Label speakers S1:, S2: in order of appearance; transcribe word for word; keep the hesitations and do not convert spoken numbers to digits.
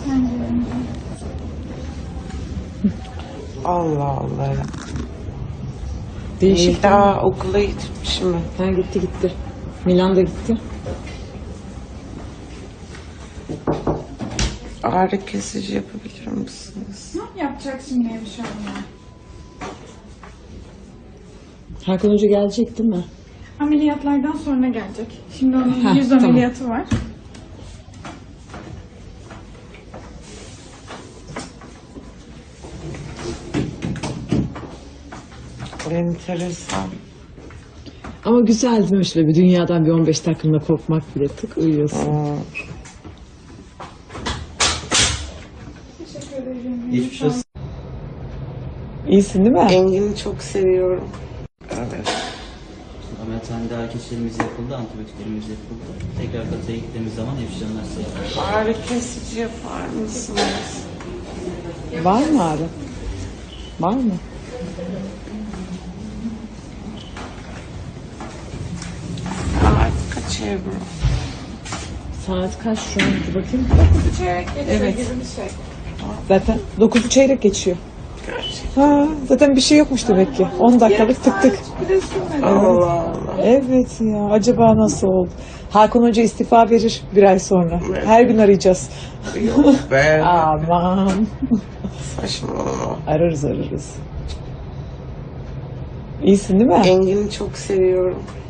S1: Allah Allah.
S2: Değişik.
S1: Daha okula gitmiş mi?
S2: Ha, gitti gitti. Milan'da gitti.
S1: Ağrı kesici yapabilir misiniz?
S3: Ne yapacak şimdi Hemşire Hanım?
S2: Hakan Hoca gelecek değil mi?
S3: Ameliyatlardan sonra gelecek. Şimdi onun
S2: Heh,
S3: yüz
S2: tamam.
S3: ameliyatı var.
S1: Enteresan.
S2: Ama güzel değil mi şöyle bir dünyadan bir on beş dakikalığına kopmak bile, tık uyuyorsun.
S1: Aa,
S3: Teşekkür ederim.
S4: Geçmiş olsun.
S2: İyisin değil mi?
S1: Engin'i çok seviyorum. Evet.
S4: Ameliyathanede ağrı kesicilerimiz yapıldı, antibiyotiklerimiz yapıldı. Tekrar kataya gittiğimiz zaman hemşireler size yapar.
S1: Ağrı kesici yapar mısınız?
S2: Var mı ağrı? Var mı?
S1: Saat kaç Ebru?
S2: Saat kaç şu an? Dur bakayım.
S3: Çeyrek geçiyor
S2: Evet.
S3: gibi bir şey.
S2: Zaten dokuzu çeyrek geçiyor. Ha, zaten bir şey yokmuş demek ki. on dakikalık tık tık.
S3: Bir de sürmedi.
S1: Allah Allah.
S2: Evet ya, acaba nasıl oldu? Hakan Hoca istifa verir bir ay sonra. Her gün arayacağız.
S1: Yok be.
S2: Aman.
S1: Saçmalama.
S2: Ararız ararız. İyisin değil mi?
S1: Engin'i çok seviyorum.